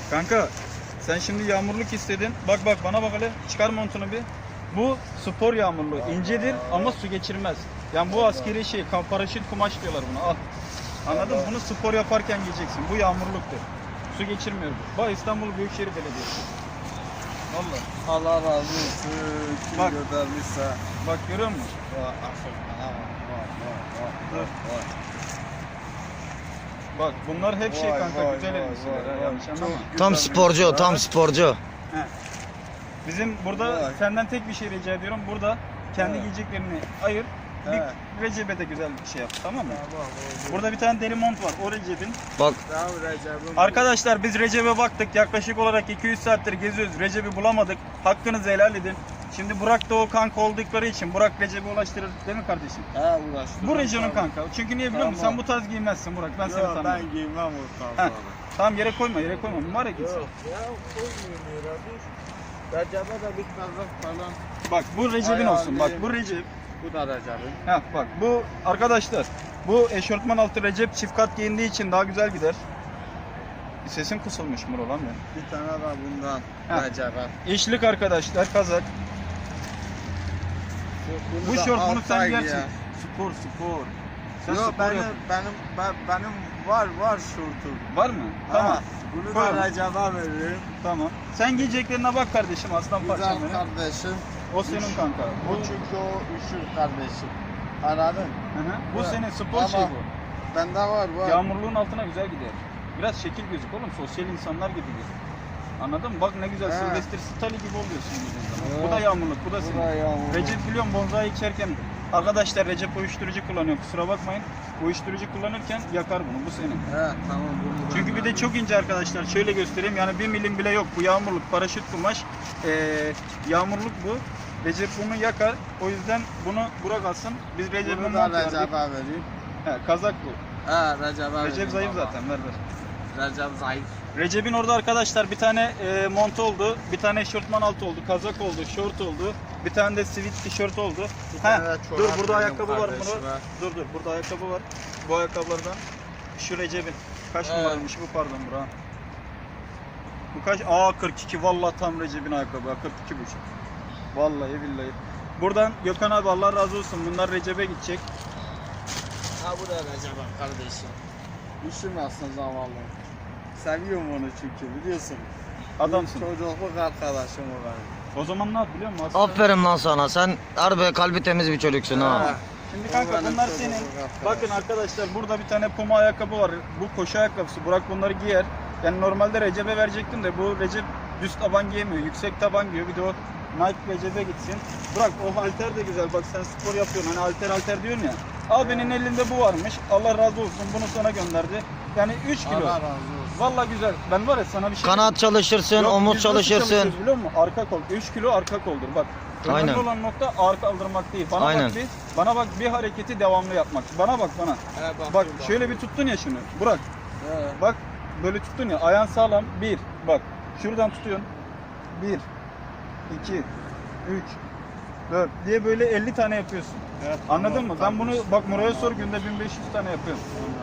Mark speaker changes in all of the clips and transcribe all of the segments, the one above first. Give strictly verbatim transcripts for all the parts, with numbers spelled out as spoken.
Speaker 1: Kanka sen şimdi yağmurluk istedin. Bak bak bana bak hele. Çıkar montunu bir. Bu spor yağmurluğu. İncedir ama su geçirmez. Yani bu askeri şey, paraşüt kumaş diyorlar buna. Al. Anladın mı? Bunu spor yaparken giyeceksin. Bu yağmurluktur. Su geçirmiyor bu. Bak İstanbul Büyükşehir Belediyesi. Vallahi.
Speaker 2: Allah razı olsun. Kim
Speaker 1: Bak.
Speaker 2: göndermişse.
Speaker 1: Bak görüyor musun?
Speaker 2: Vay, aferin. Vay, vay, vay,
Speaker 1: Dur.
Speaker 2: vay.
Speaker 1: Bak bunlar hep şey
Speaker 2: Vay,
Speaker 1: kanka
Speaker 2: vay,
Speaker 1: güzel
Speaker 2: vay,
Speaker 1: elbiseler.
Speaker 2: vay,
Speaker 1: ha,
Speaker 2: vay.
Speaker 1: yanlış
Speaker 2: Çok
Speaker 1: anlama.
Speaker 3: Tam
Speaker 2: güzel
Speaker 3: sporcu,
Speaker 2: elbise.
Speaker 3: tam sporcu.
Speaker 1: He. Bizim burada
Speaker 2: Vay.
Speaker 1: senden tek bir şey rica ediyorum. Burada kendi
Speaker 2: He.
Speaker 1: giyeceklerini ayır.
Speaker 2: He.
Speaker 1: Bir Recep'e de güzel bir şey yap, tamam mı?
Speaker 2: Tamam, oldu.
Speaker 1: Burada bir tane deri mont var. O Recep'in.
Speaker 3: Bak
Speaker 2: Tamam, Recep'im.
Speaker 1: Arkadaşlar biz Recep'e baktık. Yaklaşık olarak iki yüz saattir geziyoruz. Recep'i bulamadık. Hakkınızı helal edin. Şimdi Burak da o kanka oldukları için Burak Recep'e ulaştırır değil mi kardeşim?
Speaker 2: He, uğraştım.
Speaker 1: Bu Recep'in
Speaker 2: Tamam.
Speaker 1: kanka. Çünkü niye biliyor musun?
Speaker 2: Tamam.
Speaker 1: Sen bu tarz giymezsin Burak. Ben seni
Speaker 2: Yok,
Speaker 1: tanıyorum.
Speaker 2: ben giymem o
Speaker 1: Heh.
Speaker 2: tarzları.
Speaker 1: Tamam yere koyma, yere koyma. Mübarek insan.
Speaker 2: Yok ya, koymayayım yere, dur. Recep'e de bir kazak falan.
Speaker 1: Bak bu Recep'in
Speaker 2: Ayağım
Speaker 1: olsun. Bak
Speaker 2: diyeyim.
Speaker 1: bu Recep.
Speaker 2: Bu da Recep'in.
Speaker 1: Heh, bak bu arkadaşlar. Bu eşortman altı Recep çift kat giyindiği için daha güzel gider. Sesin kısılmış Muro lan benim.
Speaker 2: Bir tane de bundan
Speaker 1: Heh.
Speaker 2: Recep'e.
Speaker 1: İşlik arkadaşlar kazak. Bu
Speaker 2: da
Speaker 1: şort bunu sen
Speaker 2: Altay
Speaker 1: giyersin.
Speaker 2: giyer.
Speaker 1: Spor spor. Sen
Speaker 2: Yok,
Speaker 1: spor
Speaker 2: benim,
Speaker 1: yap.
Speaker 2: benim, ben, benim var var şortum.
Speaker 1: Var mı? Tamam.
Speaker 2: Ha, bunu
Speaker 1: Koyalım.
Speaker 2: da Recep'e veririm.
Speaker 1: Tamam. Sen giyeceklerine bak kardeşim aslan
Speaker 2: Güzel
Speaker 1: parçam benim.
Speaker 2: kardeşim.
Speaker 1: O senin kanka.
Speaker 2: Bu çünkü o üşür kardeşim. Anladın?
Speaker 1: Hı hı. Bu
Speaker 2: Evet.
Speaker 1: senin spor
Speaker 2: Ama
Speaker 1: şey bu.
Speaker 2: Bende var var.
Speaker 1: Yağmurluğun altına güzel gider. Biraz şekil gözük oğlum. Sosyal insanlar gibi gözük. Anladın mı? Bak ne güzel
Speaker 2: He.
Speaker 1: Sylvester Stallone gibi oluyorsun giydiğin zaman.
Speaker 2: Evet.
Speaker 1: Bu da yağmurluk, bu da
Speaker 2: Bu
Speaker 1: senin.
Speaker 2: da yağmurluk.
Speaker 1: Recep biliyorum bonzai içerken arkadaşlar Recep uyuşturucu kullanıyor. Kusura bakmayın. Uyuşturucu kullanırken yakar bunu. Bu senin.
Speaker 2: He, tamam bunu
Speaker 1: Çünkü bir de çok ince arkadaşlar. Şöyle göstereyim. Yani bir milim bile yok. Bu yağmurluk, paraşüt kumaş. Ee, yağmurluk bu. Recep bunu yakar. O yüzden bunu Burak alsın. Biz Recep'e
Speaker 2: Bunu
Speaker 1: mont
Speaker 2: da
Speaker 1: verdik.
Speaker 2: Recep'e vereyim.
Speaker 1: He, kazak bu.
Speaker 2: He, Recep'e vereyim.
Speaker 1: Recep zayıf
Speaker 2: baba.
Speaker 1: zaten. Ver ver.
Speaker 2: Recep zayıf.
Speaker 1: Recep'in orada arkadaşlar bir tane e, mont oldu. Bir tane eşortman altı oldu. Kazak oldu. Şort oldu. Bir tane de sivit tişört oldu.
Speaker 2: Bir
Speaker 1: He,
Speaker 2: tane de çorap
Speaker 1: dur burada
Speaker 2: verdim
Speaker 1: ayakkabı var
Speaker 2: kardeşime.
Speaker 1: bunu. Dur dur burada ayakkabı var. Bu ayakkabılardan şu Recep'in. Kaç
Speaker 2: Evet.
Speaker 1: numaraymış bu pardon bura. Bu kaç? Aa kırk iki vallahi tam Recep'in ayakkabı. kırk iki buçuk. Vallahi billahi. Buradan Gökhan abi Allah razı olsun. Bunlar Recep'e gidecek.
Speaker 2: Ha, bu da Recep'e kardeşim. Üşümezsin zavallı. Seviyorum onu çünkü biliyorsun.
Speaker 1: Adamsın.
Speaker 2: Çocukluk arkadaşım o benim.
Speaker 1: O zaman ne yap biliyor musun? Aslında-
Speaker 3: aferin lan sana. Sen harbi kalbi temiz bir çocuksun ha.
Speaker 2: Ha.
Speaker 1: Şimdi kanka
Speaker 2: O benim
Speaker 1: bunlar
Speaker 2: çocukluk
Speaker 1: senin.
Speaker 2: arkadaşım.
Speaker 1: Bakın arkadaşlar burada bir tane Puma ayakkabı var. Bu koşu ayakkabısı. Burak bunları giyer. Yani normalde Recep'e verecektim de bu Recep düz taban giyemiyor. Yüksek taban giyiyor. Bir de o Nike Recep'e gitsin. Burak o halter de güzel. Bak sen spor yapıyorsun. Hani halter halter diyorsun ya. Abinin elinde bu varmış. Allah razı olsun. Bunu sana gönderdi. Yani üç kilo.
Speaker 2: Allah razı olsun.
Speaker 1: Vallahi güzel. Ben var ya sana bir şey
Speaker 3: Kanat çalışırsın,
Speaker 1: Yok,
Speaker 3: omuz
Speaker 1: biz nasıl
Speaker 3: çalışırsın.
Speaker 1: çalışıyoruz biliyor musun? Arka kol. üç kilo arka koldur bak. Önemli
Speaker 3: Aynen.
Speaker 1: olan nokta ağır kaldırmak değil. Bana
Speaker 3: Aynen.
Speaker 1: bak bir, bana bak bir hareketi devamlı yapmak. Bana bak bana.
Speaker 2: He,
Speaker 1: Bak
Speaker 2: bakıyorum,
Speaker 1: şöyle bir
Speaker 2: bakıyorum.
Speaker 1: tuttun ya şunu. Burak
Speaker 2: He.
Speaker 1: bak böyle tuttun ya. Ayağın sağlam. Bir. Bak şuradan tutuyorsun. Bir. iki. Üç. Dört. Diye böyle elli tane yapıyorsun.
Speaker 2: Evet,
Speaker 1: Anladın
Speaker 2: tamam,
Speaker 1: mı? Ben bunu
Speaker 2: kardeşim.
Speaker 1: bak Muray'a sor günde bin beş yüz tane yapıyorum.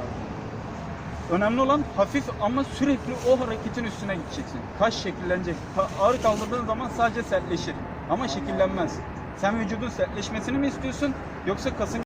Speaker 1: Önemli olan hafif ama sürekli o hareketin üstüne gideceksin. Kaş şekillenecek. Ta- Ağır kaldırdığın zaman sadece sertleşir. Ama şekillenmez. Sen vücudun sertleşmesini mi istiyorsun yoksa kasın